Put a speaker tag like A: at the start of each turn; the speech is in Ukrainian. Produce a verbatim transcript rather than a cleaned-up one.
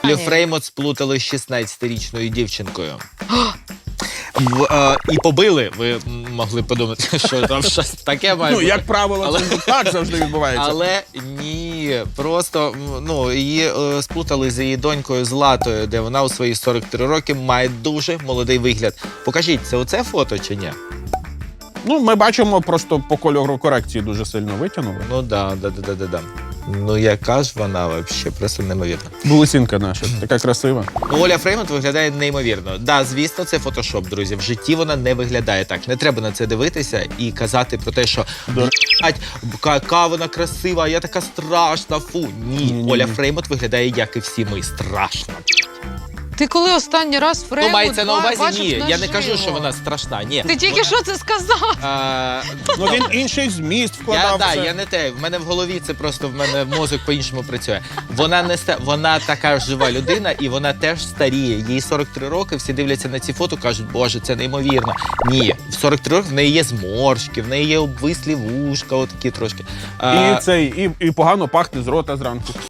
A: Олю Фреймут сплутали з шістнадцятирічною дівчинкою. В, е, і побили, ви могли подумати, що там щось таке має
B: Ну,
A: бути.
B: як правило,
A: Але-
B: це так завжди відбувається.
A: Але ні, просто ну, її е, сплутали з її донькою Златою, де вона у свої сорок три роки має дуже молодий вигляд. Покажіть, це оце фото чи ні?
B: Ну, ми бачимо, просто по кольору корекції дуже сильно витягнули.
A: Ну да, да, да, да, да, да. Ну яка ж вона взагалі, просто неймовірна.
B: Булесінка наша, така красива.
A: Ну, Оля Фреймут виглядає неймовірно. Да, звісно, це фотошоп, друзі. В житті вона не виглядає так. Не треба на це дивитися і казати про те, що «Блядь, яка вона красива, я така страшна, фу. Ні,
B: Ні-ні-ні.
A: Оля Фреймут виглядає, як і всі ми, страшно.
C: Ти коли останній раз Фреймут
A: Ну, мається на увазі,
C: бачив
A: ні, я не
C: наживо?
A: кажу, що вона страшна, ні.
C: Ти тільки
A: Вона-
C: що це сказав?
A: А,
B: Ну, він інший зміст
A: Я,
B: вкладав.
A: да,
B: в це.
A: я не те. В мене в голові це просто в мене мозок по-іншому працює. Вона не ста... вона така жива людина, і вона теж старіє. Їй сорок три роки. Всі дивляться на ці фото, кажуть, боже, це неймовірно. Ні, в сорок три роки в неї є зморшки, в неї є обвислі вушка, отакі трошки. А,
B: І цей, і, і погано пахне з рота зранку.